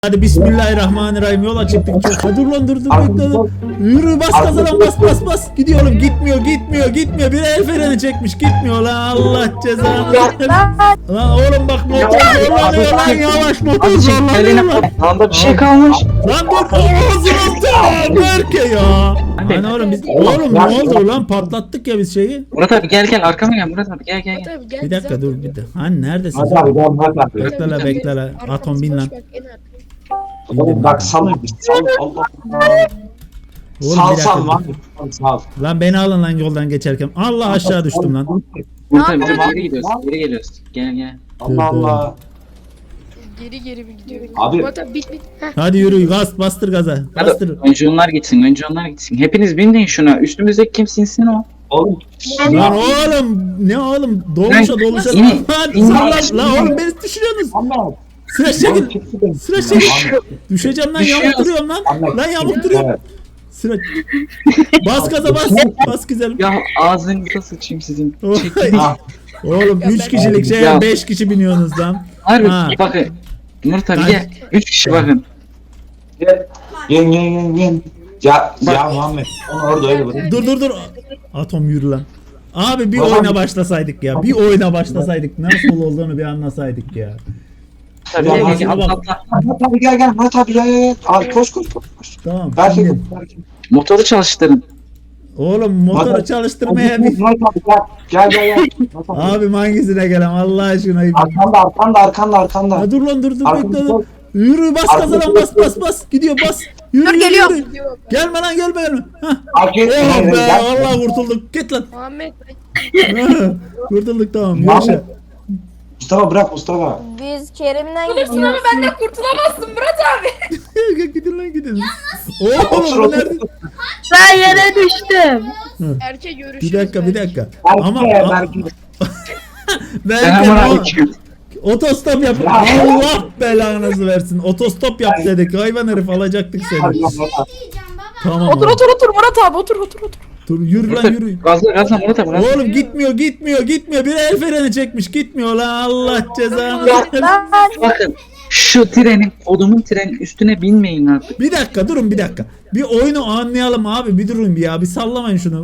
Hadi bismillahirrahmanirrahim, yola çıktık. Çok dur lan, dur bekle lan. Yürü, bas gaza lan, bas. Gidiyor oğlum, gitmiyor. Biri el freni çekmiş, gitmiyor lan, Allah cezanı versin. Lan oğlum bak, motor zorlanıyor lan, yavaş, motor zorlanıyor lan. Landa bir şey kalmış. Lan dur, ağzını Berke ya. Hani oğlum biz, oğlum ne oldu lan, patlattık ya biz şeyi. Murat abi gel arkama gel Murat abi gel. Bir dakika dur, bir dakika. Hani neredesin? Hadi abi gel Murat abi. Bekle la. Atom bin lan. Oğlum bak sal Allah. Oğlum, Sal lan. Sal. Lan beni alın lan yoldan geçerken. Allah, aşağı düştüm lan. Murat abi geri gidiyoruz. Geri geliyoruz. Gel. Allah Allah. Geri mi gidiyor? Abi. Bit. Heh. Hadi yürü, bastır gaza. Hadi Bastır. önce onlar gitsin. Hepiniz binin şuna. Üstümüzdeki kim sinsin o? Oğlum. Lan oğlum, ne oğlum, dolmuşa. İn. Lan sallan lan oğlum, beni düşürüyorsunuz. Ama. Sıra çekil. Düşeceğim lan, yamuk duruyorum lan. Lan yamuk duruyorum. Sıra. Bas gaza, bas güzelim. Ya ağzınıza sıçayım sizin. Oğlum 3 kişilik şeye Ya. 5 kişi biniyorsunuz lan. Harbi Ha. bakın. Murat abi Hadi. gel. 3 kişi bakın. Yen. Ya Muhammed. Onu orada öyle bırak. Dur. Atom yürü lan. Abi bir oyuna başlasaydık ya. Bir oyuna başlasaydık. Nasıl olduğunu bir anlasaydık ya. Tabii Ya, gel bak. atla. Murat abi gel. Murat abi gel. Abi koş. Tamam. Belki de. Motoru çalıştırın. Oğlum motoru çalıştırmaya bir... Murat abi gel. Murat abi. Abi hangisine gelem Allah aşkına. Arkanda. Ha, dur lan, dur Arkanda. bekle lan. Yürü, bas gaza lan, bas. Gidiyor, bas. Yürü. Gelme lan, gelme. Hah. Oh be, Allah kurtulduk. Git lan. Muhammed Kurtulduk, tamam. Muhammed. Yaşa. Mustafa bırak Mustafa. Biz Kerim'den gidiyoruz. benden kurtulamazsın Murat abi. Gidin. Oğlum bu nerede? Ben yere düştüm. Erkek görüşürüz. Bir dakika. Ama Belki. belki Selamünaleyküm. otostop yap. Allah belanızı versin. Otostop yap dedik. Hayvan herif, alacaktık seni. Tamam. Otur Murat abi otur. Dur, yürü lan, yürü. Gazla Murat abi. gazla. Oğlum gitmiyor. Bir el freni çekmiş, gitmiyor lan, Allah cezanı versin. Bakın şu odumun trenin üstüne binmeyin artık. Bir dakika, durun bir dakika. Bir oyunu anlayalım abi, bir durun bir ya. Bir sallamayın şunu.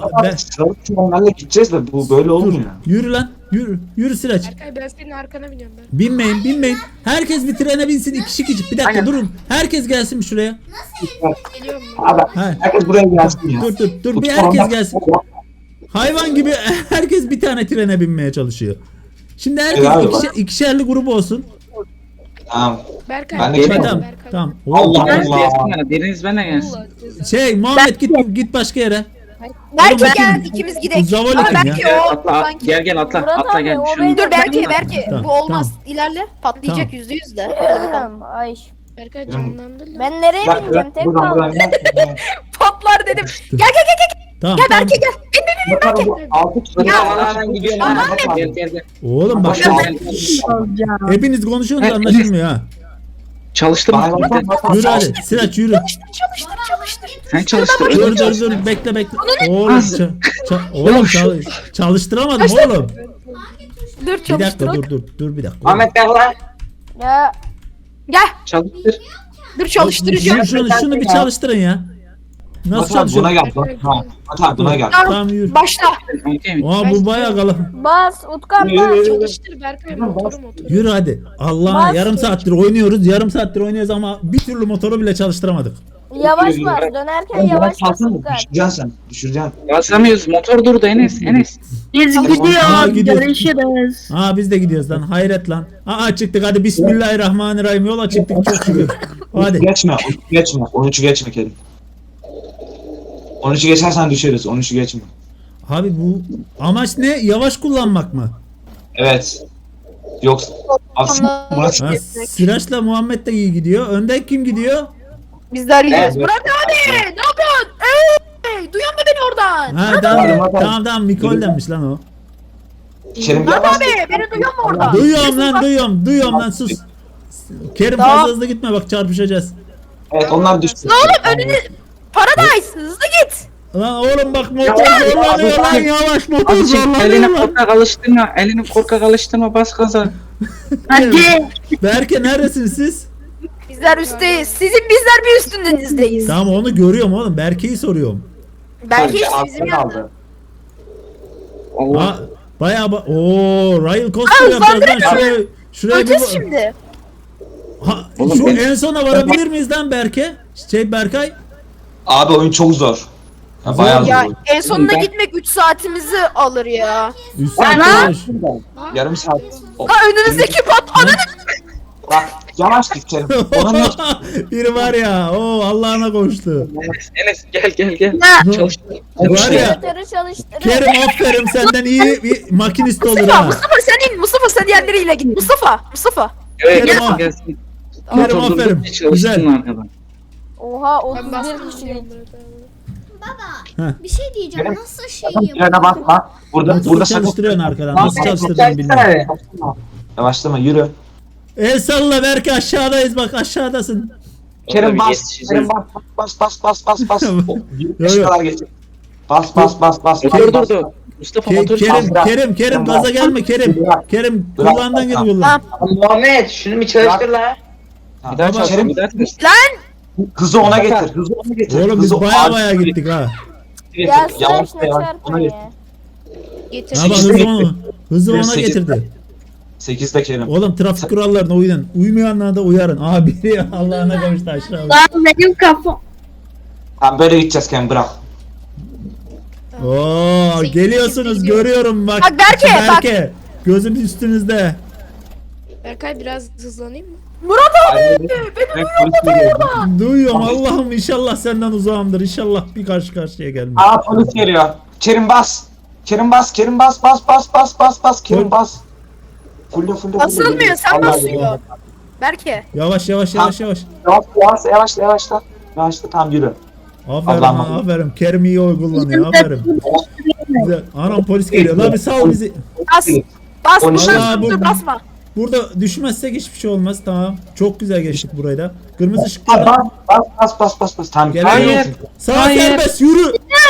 Onlarla gideceğiz de bu böyle olmuyor. Yürü lan, yürü Sıraç. Berkay ben senin arkana biniyorum ben. Binmeyin. Herkes bir trene binsin, iki kişi. Bir dakika Aynen. durun. Herkes gelsin şuraya. Geliyorum ben. Abi Ha. herkes buraya gelsin ya. Dur, bir herkes gelsin. Hayvan gibi herkes bir tane trene binmeye çalışıyor. Şimdi herkes ikişerli grup olsun. Tamam. Berkay. Ben de Berkay, geliyorum. Berkay. Tamam. Allah Biriniz Allah. gelsin. Biriniz benimle gelsin. Allah cezanı. Muhammed git başka yere. Belki Oğlum, gel ikimiz gidelim. Zavol Ama kim ya? belki o Atla, sanki. gel atla. Murat Atla abi, gel. o Şunu- benim. Dur belki Tamam, bu olmaz. İlerle patlayacak Tamam. %100 de. Hadi bakalım. Ay. Berkay canlandır lan. Ben nereye bineceğim? Tek kaldım. Patlar dedim. Tamam. Gel Berke gel. Altı kişi. Ben gidiyorum. Gel. Oğlum bak, hepiniz konuşuyorsunuz, Evet, anlaşılmıyor ha. Çalıştır mı? Yürü hadi. Sıraç yürü. Çalıştır. Sen çalıştır. Dur bekle. Oğlum oğlum çalıştıramadım oğlum. Dur Bir çalıştır. dakika dur bir dakika. Ahmet gel lan. Ya Gel. Çalıştır. Dur çalıştıracağım. Şunu bir çalıştırın ya. Nasıl çalışıyor? Buna gel. Hatta buna gel. Tamam yürü. Başla. Okey mi? Aa, bu bayağı kalın. bas Utkan bas. Çalıştır Berkay motoru. Yürü hadi. Allah, Bas. yarım saattir oynuyoruz ama bir türlü motoru bile çalıştıramadık. Yavaş bas. Dönerken yavaş bas Utkan. Düşüreceksin. Basamıyoruz. Motor durdu Enes. Biz Aa, gidiyoruz. Görüşürüz. Aa, biz de gidiyoruz lan, hayret lan. Aa, çıktık, hadi bismillahirrahmanirrahim, yola çıktık, çok şükür. Hadi. Geçme. 13'ü geçme Kerim. 13'ü geçersen düşeriz. 13'ü geçme. Abi bu amaç ne? Yavaş kullanmak mı? Evet. Yoksa aslında Murat Ha, Sıraç'la Muhammed de iyi gidiyor. Önden kim gidiyor? Biz de arayacağız. Evet. Murat abi ne yapıyorsun? Duyuyor musun beni oradan? Ha, tamam Mikol'denmiş lan o. Kerim Murat yavaş. abi beni duyuyor musun oradan? Duyuyorum lan, sus. Kerim Tamam. fazla hızlı gitme, bak çarpışacağız. Evet onlar düştü. Ne oğlum önünü Paradise hızlı git. Lan oğlum bak, motor zorlanıyor lan, yavaş, motor Azıcık zorlanıyor elini lan. korkak alıştırma. Bas gaza. Hadi. Berke neredesiniz siz? Bizler üstteyiz. Bizler bir üstündenizdeyiz. Tamam onu görüyorum oğlum. Berke'yi soruyorum. Belki hiç Arkada bizim yanında. kaldı. Allah. Ha, bayağı ooo Royal Coaster yapacağız lan şuraya Öleceğiz bir şimdi. ha, Oğlum şu ben- en sona varabilir miyiz lan Berke? Berkay. Abi oyun çok zor. Ha, bayağı zor. Ya oyun. en sonunda Ben- gitmek 3 saatimizi alır ya. Üst Lan! saat Yarım saat. O, Ha önünüzdeki pat ananı. bak yavaş git Kerim. Ona ne? Biri var ya o Allah'ına koştu. Enes gel. Çalıştır. Var ya Motoru çalıştırın. Kerim aferin senden iyi bir makinist olur Mustafa, ha. Mustafa sen in. Mustafa sen diğerleriyle git. Mustafa. Evet, Kerim, gelsin. Kerim Motor aferin. durdukça çalışsın Güzel. arkadan. Oha Ben 31 bastım kişilik. gidiyorum Murat abi. Baba bir şey diyeceğim. Benim- Nasıl şey Sakın yapıyor? frene basma. Burada Motoru sakın. çalıştırıyorsun arkadan. Nasıl çalıştıracağını bilmiyorum. Yavaşlama yürü. El salla Berke aşağıdayız bak aşağıdasın. Kerim Tabii bas. yetişeceğiz. Kerim bas. O, Yo, 25 yo. kadar geçecek. Bas. Motor durdu. Mustafa motor Kerim gaza gelme Kerim. Kerim Bırak. kulağından git Tamam. kullan. Muhammed şunu bir çalıştır la. Bir daha Baba, çalıştır. Kerim Bir daha çalıştır. hızı ona getir. Hızı ona getir. Oğlum biz Hızı baya gittik ha. getir. Ya Yavaş sen yavaş. çarpma Ona ya. getir. Getir. Ha bak hızı ona Sekiz. getirdi. 8'de Kerim. Oğlum trafik kurallarına uyun. Uymayanlara da uyarın. Abi Allah'ına kavuştu aşağı. Lan benim kafam. Tamam böyle gideceğiz Kerim bırak. Oo geliyorsunuz görüyorum bak. Bak Berke, Gözüm üstünüzde. Berkay biraz hızlanayım mı? Duyuyorum Allah'ım inşallah senden uzağımdır. İnşallah bir karşı karşıya gelmez. Aa polis geliyor. Kerim bas. Kerim bas. Kerim bas. Kerim bas. Fulle. Basılmıyor sen Allah basıyor. Allah. Berke. Yavaş. Yavaşla. Tamam yürü. Aferin Allah'ım. ha, aferin. Kerim iyi oy kullanıyor. Aferin. Güzel. Anam polis geliyor. Lan bir sal bizi. Bas. Bas. Polis- Vallahi Dur bu- basma. Burada düşmezsek hiçbir şey olmaz. Tamam. Çok güzel geçtik burayı da. Kırmızı ışık yanıyor. Bas. Tamam. Gelen yok. Sağ Hayır. serbest yürü.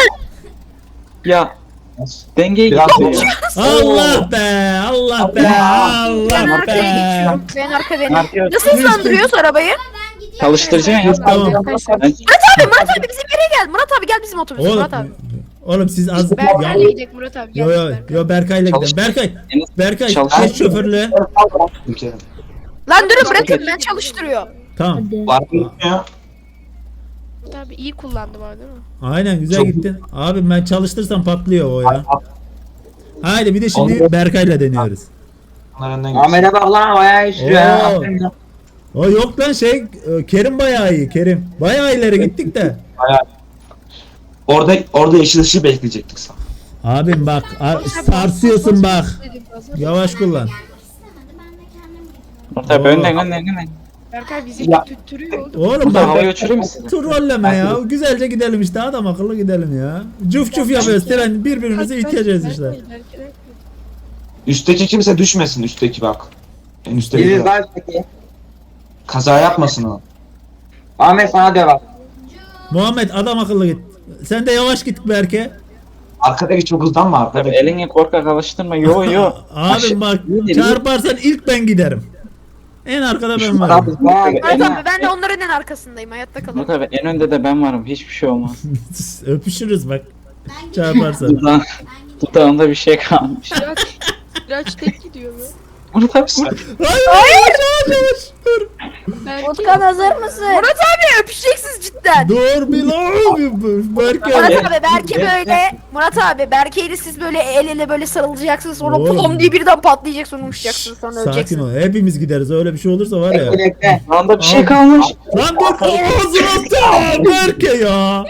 Ya dengeyi Biraz gitti ya. Allah be. Allah be. Ben Allah arkaya be. geçiyorum. Ben arka benim. Arkaya- Nasıl hızlandırıyoruz arabayı? Çalıştıracaksın ya. Tamam. Murat abi bizim yere gel. Murat abi gel bizim otobüse Oğlum, Murat abi. oğlum siz az ya, Berkay'la gidelim Murat abi. yo Gel yo Berkay. yo Berkay'la gidelim. Çalış- Berkay Çalış- geç şoförlüğe. Kerim. Lan durun bırakın ben çalıştırıyorum. Tamam. Var mı gitmiyor? Murat abi iyi kullandım abi değil mi? Aynen güzel Çok- gittin. Abi ben çalıştırsam patlıyor o ya. Haydi bir de şimdi Berkay'la deniyoruz. Onlar önden geçsin. Muhammed'e bak lan bayağı istiyor ya. Oo. Aferin lan. O yok lan Kerim bayağı iyi Kerim. Bayağı ileri gittik de. Orada yeşil ışığı bekleyecektik sana. Abim bak sarsıyorsun bak. Dedim, gaza. Yavaş kullan. Tabii önden. Berkay bizi Ya. tüttürüyor oğlum. Oğlum Burada bak havaya uçurayım mı sizi? trolleme ya. Güzelce gidelim işte adam akıllı gidelim ya. Cuf yapıyoruz tren birbirimizi iteceğiz işte. Berkay. Üstteki kimse düşmesin üstteki bak. En üstteki Biri bak. var peki. Kaza yapmasın o. Ahmet sana diyor bak. Muhammed adam akıllı git. Sen de yavaş git Berke. Arkadaki çok hızlanma Tabii arkadaki. elini korkak alıştırma. Yo. Abim bak Yürü. çarparsan ilk ben giderim. En arkada ben varım. Vay. Murat abi ben de onların en arkasındayım hayatta kalın. Murat abi en önde de ben varım. Hiçbir şey olmaz. Öpüşürüz bak. Çarparsan. Dudağında bir şey kalmış. Biraz tek gidiyor be. Murat abi vur. Hayır. Yavaş. Dur. Berkay. Utkan hazır mısın? Murat abi öpüşeceksiniz cidden. Dur bir lan. Berke. Murat abi Berke böyle Murat abi Berke'yle siz böyle el ele böyle sarılacaksınız sonra Oğlum. pom diye birden patlayacak sonra uçacaksınız sonra Sakin öleceksiniz. ol. Hepimiz gideriz. Öyle bir şey olursa var ya. Bekle. Dudağında bir şey kalmış. Lan dur. Ağzına Berke ya.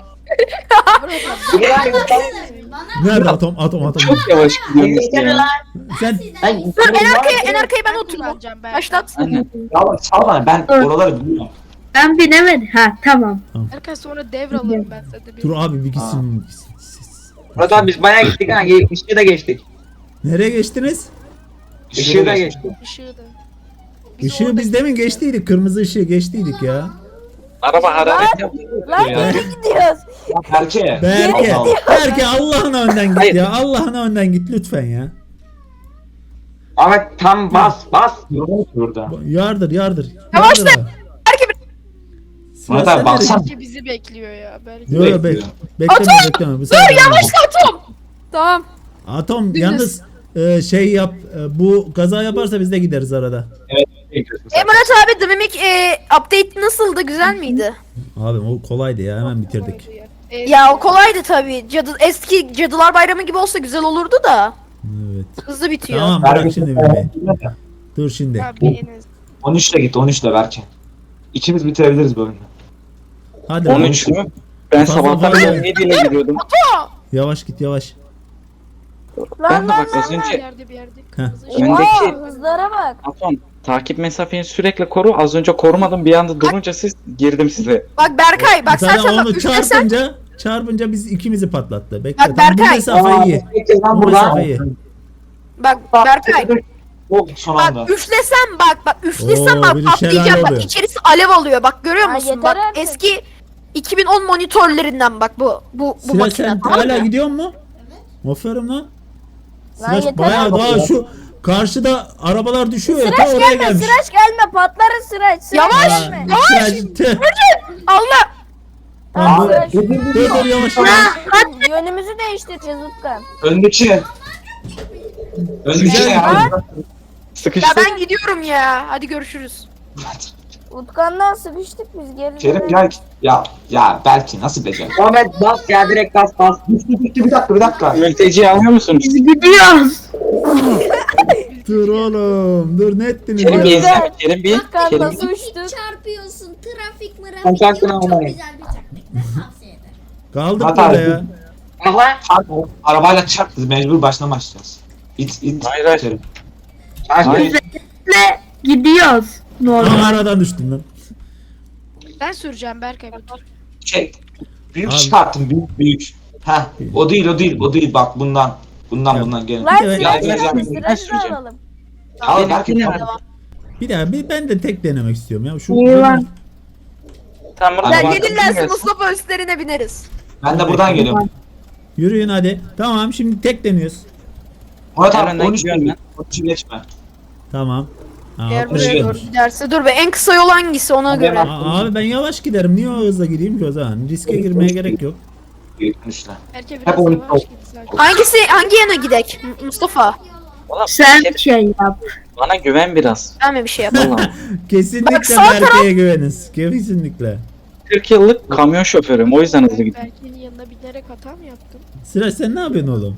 Nerede atom. Çok yavaş gidiyoruz ya. Sen Dur en arkaya ben oturayım. Kullanacağım Berkay. Başlat. Aynen. Ya salma ben oraları biliyorum. Ben binemedim. Ha tamam. Berkay sonra devralırım ben sende bir. dur abi bir gitsin. Murat abi biz bayağı gittik ha. Işığı da geçtik. Nereye geçtiniz? Işığı da geçtik. Işığı da. Işığı biz demin geçtiydik. Kırmızı ışığı geçtiydik ya. Araba hararet yaptı. Lan Ya. nereye gidiyoruz? Berke. Berke. Allah. Berke Allah'ına önden git Hayır. ya. Allah'ına önden git lütfen ya. Ahmet tam bas. Burada. Yardır. Yavaşla. Yardır. Murat abi baksana. Belki bizi bekliyor ya. Belki. Yok yok Bekliyor. bekleme. Bu sefer Yavaşla Atom. Tamam. Atom yalnız şey yap bu kaza yaparsa biz de gideriz arada. Murat abi The Mimic update nasıldı? Güzel miydi? Abi o kolaydı ya hemen bitirdik. Ya o kolaydı tabii. Eski Cadılar Bayramı gibi olsa güzel olurdu da. Evet. Hızlı bitiyor. Tamam bırak şimdi Mehmet. Dur şimdi. Abi Enes. 13'le git 13'le Berke. İkimiz bitirebiliriz bu oyunu. Hadi 13 mü? Ben Fazla sabahtan fazla. beri 17 ile gidiyordum. yavaş git yavaş. Ben de bak az Bir önce yerde bir yerde. Heh. Kırmızı ışık. öndeki Hızlara bak. Atom takip mesafeni sürekli koru. Az önce korumadım bir anda durunca siz girdim size. Bak Berkay bak sen Zaten bak onu üflesen. çarpınca biz ikimizi patlattı. Bekle Bak tamam bu Berkay. mesafe iyi. Lan Bu mesafe iyi. Bak Berkay. Oh son anda. Bak üflesem bak üflesem Oo, bak bir de şelale patlayacak bak oluyor. içerisi alev alıyor bak görüyor Ha, musun yeter bak artık. eski 2010 monitörlerinden bak bu Sıra makine sen tamam hala mı? gidiyor mu? Aferin lan. Lan Sıraç yeter bayağı artık. daha şu karşıda arabalar düşüyor ya ta Sıraç oraya gelme, gelmiş. sıraç gelme, patlarız sıraç. Sıraç Yavaş, gelme. Sıraç, tüh. Allah Tamam, Abi, dur dur yavaş yavaş. Yönümüzü değiştireceğiz Utkan. Öndeki. Öndeki Güzel. ya. ya Sıkıştık. ben gidiyorum ya hadi görüşürüz. Utkan'dan sıkıştık biz geri Kerim dönelim. gel. Ya belki nasıl becer? Ahmet bas ya direkt bas bas. Bir dakika. Mülteciyi alıyor musunuz? Gidiyoruz. Dur oğlum dur ne ettiniz Kerim bir ya? izle. Kerim bir. Utkan Kerim nasıl bir. uçtuk? Çarpıyorsun. Trafik mırafik Kontaktını yok. Çok almayın. güzel bir taktik. Tavsiye ederim. Kaldık Hata burada ettim. ya. Aha. Arabayla çarp biz mecbur baştan başlayacağız. İt. Hayır, hayır. Kerim. Hayır. Gidiyoruz. Aa, aradan düştüm lan. Ben süreceğim Berkay bir tur. Şey. Büyük Abi. çıkarttım büyük. Heh. O değil bak bundan. Ya. Bundan gelin. Lan Bir de- sıraç Ya, gelme, ya, sıraç da süreceğim. alalım. Al belki Yine- Bir daha ben de tek denemek istiyorum ya. Şu İyi lan. Tamam Sen Sen burada gelirlerse Mustafa üstlerine bineriz. ben de buradan geliyorum. Yürüyün hadi. Tamam şimdi tek deniyoruz. Murat Hemen abi de 13 gidiyorum ben. 13'ü geçme. Tamam. Aa, Eğer buraya buraya doğru gelmiş. giderse dur be en kısa yol hangisi ona göre. Abi ben yavaş giderim. Niye o hızla gideyim ki o zaman? Riske girmeye gerek yok. 13'le. Berkay Hep biraz onu- yavaş git zaten. Hangi yana gidek Mustafa? Oğlum, Sen Kerim, şey yap. bana güven biraz. Ben mi bir şey yapayım? Vallahi. Kesinlikle Bak, sağ Berke'ye güveniniz. Kesinlikle. 40 yıllık kamyon şoförüm. O yüzden hızlı gidiyorum. Berkay'ın yanına binerek hata mı yaptın? Sıraç sen ne yapıyorsun oğlum?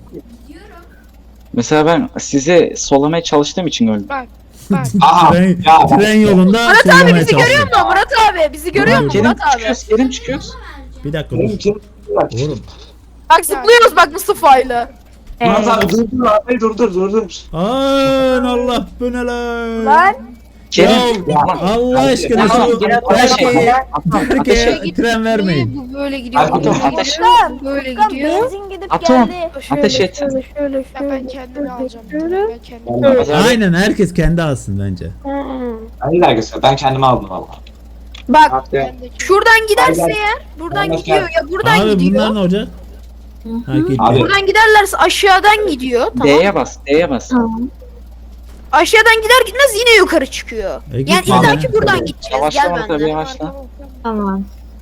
Mesela ben sizi solamaya çalıştığım için öldüm. Bak. Bak. Aha. Tren, Ya tren yolunda Murat abi sollamaya bizi görüyor çalışıyorum. musun Murat abi? Bizi görüyor musun Kerim Murat abi? çıkıyoruz. Kerim çıkıyoruz. Bir dakika dur. Kerim. Oğlum. Bak zıplıyoruz bak Mustafa'yla. Murat abi durdur arabayı durdur. Aman Allah bu ne lan? Lan Kerim. Ya, Allah aşkına Tamam, şu gene Berke'ye Ateşe- tren vermeyin. Bu böyle gidiyor. Abi, Bu böyle ateş- gidiyor. Bu böyle Utkan gidiyor. benzin gidip Atom. geldi. Ateş et. Ya ben kendimi alacağım. Ben kendimi alacağım. Aynen herkes kendi alsın bence. Ben de dergisi. Ben kendime aldım valla. Bak Bak ya. Ben de şuradan giderse Gel, eğer buradan Gel, gidiyor ya buradan Abi gidiyor. bunlar ne olacak? Ha, gitti. Abi. Buradan giderlerse aşağıdan gidiyor tamam. D'ye bas. D'ye bas. Aşağıdan gider gitmez yine yukarı çıkıyor. git Yani abi. illa ki buradan gideceğiz. Yavaşlama Gel tabii benden. yavaşla. Tamam.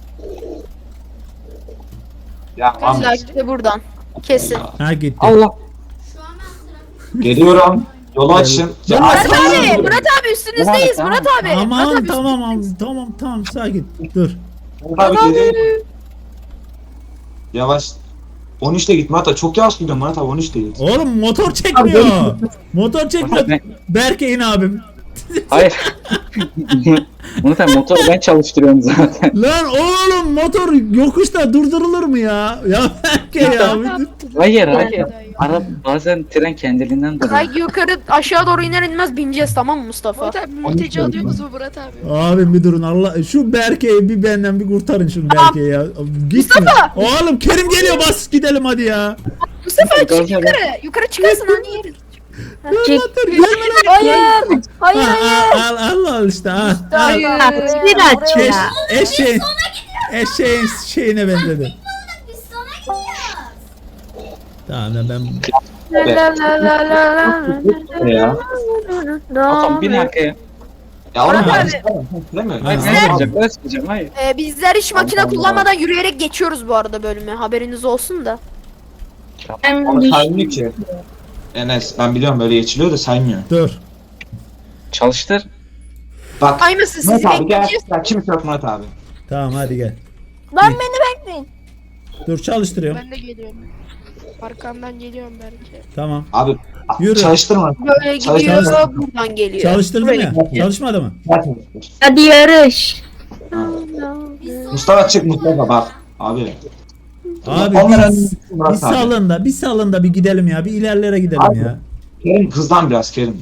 Ya tamam. İlla ki de buradan. Kesin. Ha gitti. Allah. Şu an ben sıra. Geliyorum. Yolu açın. Ya, Murat abi, Murat abi üstünüzdeyiz Tamam. Murat abi. Aman Murat abi, tamam sakin. Dur. Murat abi geliyorum. Yavaş. 13'te git Murat abi. Çok yavaş gidiyorsun Murat abi 13'te git. Oğlum motor çekmiyor. Motor çekmiyor. Ben- Berke'in abim. Hayır. Bunu sen motoru ben çalıştırıyorum zaten. Lan oğlum motor yokuşta durdurulur mu ya? Ya Berke ya. Hayır hayır. Ara bazen tren kendiliğinden duruyor. Kay yukarı aşağı doğru iner inmez bineceğiz tamam mı Mustafa? Murat abi mülteci alıyoruz mu Murat abi? Abim bir durun Allah. Şu Berke'yi bir benden bir kurtarın şu Tamam. Berke'yi ya. Gitme. Oğlum Kerim geliyor bas gidelim hadi ya. Mustafa çık Gazla yukarı. Yukarı çıkarsın hani yeri. Dur gelme lan. Hayır. Hayır Ha, hayır. al işte al. Hayır. Sıraç Eş, ya. eşeğin şeyine benzedi. Biz sana gidiyoruz. Tamam lan ben Ya. Atom bin arkaya. Ya oğlum Murat ben abi. istemem. Bilemiyorum. Hayır, Ya. Özleyeceğim hayır. Bizler hiç makine Allah Allah. kullanmadan yürüyerek geçiyoruz bu arada bölümü. Haberiniz olsun da. Ben Ama düş- saymıyor ki. Enes ben biliyorum böyle geçiliyor da saymıyor. Dur. Çalıştır. Bak. Kaymasın sizi Murat abi gel. bekleyeceğiz. Ya kimse yok Murat abi. Tamam hadi gel. Lan beni bekleyin. Dur çalıştırıyorum. Ben de geliyorum. Arkamdan geliyorum belki. Tamam. Abi Yürü. çalıştırma. Böyle Çalış- gidiyor çalış- buradan geliyor. Çalıştırdın Böyle ya. gidiyor. Çalışmadı mı? Hadi yarış. Mustafa çık Mustafa bak. Abi. Abi Onlara bir salın da bir gidelim ya. Bir ilerlere gidelim Abi. ya. Kerim hızlan biraz Kerim.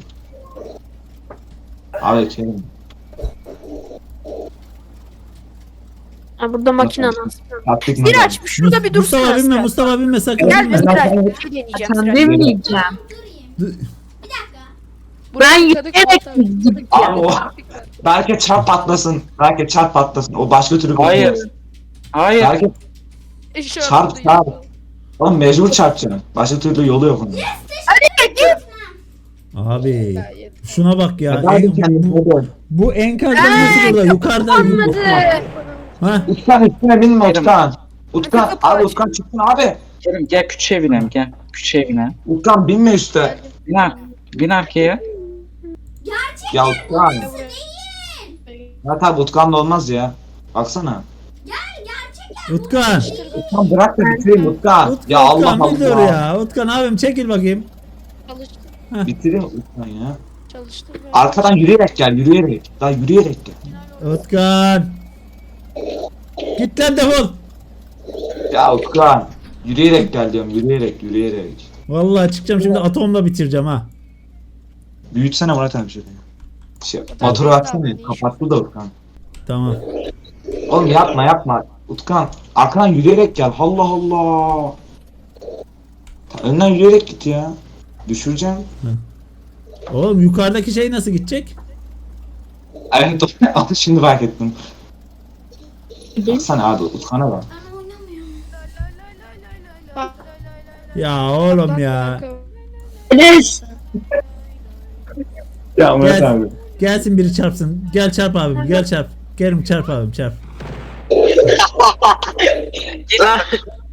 Abi Kerim. Ha, burada makine nasıl? Taktik Miraç şurada bir dursun. Mustafa binme, asker. Mustafa binme sakın Gel binme. Miraç. Bir şey deneyeceğim. Sen Miraç. demeyeceğim. Ben Yıkadık yürüyerek Murat abi. gideceğim. Abi o. Belki çarp patlasın. Belki çarp patlasın. O başka türlü Hayır. kullanırız. Hayır. Belki İşaret çarp duyuyor. çarp. Oğlum mecbur çarpacaksın. Başka türlü yolu yok onun. Abi şuna bak ya. Hadi kendini hadi. Bu enkazdan nasıl burada? Yukarıda. Anladı. Ha? Utkan üstüne binme Kerim. Utkan. Utkan Kapı abi aç. Utkan çıksın abi. Kerim gel küçüğe binelim gel. Küçüğe binelim. Utkan binme üstte. Bin arkaya. Ya Utkan. Ya tabi Utkan'la olmaz ya. Baksana. Utkan. Utkan bırak da bitireyim Utkan. Ya Allah Utkan bir dur Allah. ya. Utkan abim çekil bakayım. Çalıştım. Bitireyim Utkan ya. Çalıştım. Arkadan yürüyerek gel yürüyerek. Daha yürüyerek gel. Utkan. Git lan defol. Ya Utkan. Yürüyerek gel diyorum yürüyerek. Vallahi çıkacağım şimdi atomla bitireceğim ha. Büyütsene Murat abi şöyle. Motoru açsana kapattı da Utkan. Tamam. Oğlum yapma. Utkan arkadan yürüyerek gel. Allah Allah. Önden yürüyerek git ya. Düşüreceğim. Oğlum yukarıdaki şey nasıl gidecek? Evet şimdi fark ettim. Baksana abi Utkan'a bak. Ben oynamıyorum. Ya oğlum ya. Enes. Ya Gel, gelsin biri çarpsın. Gel çarp abim gel çarp. Kerim çarp abim çarp.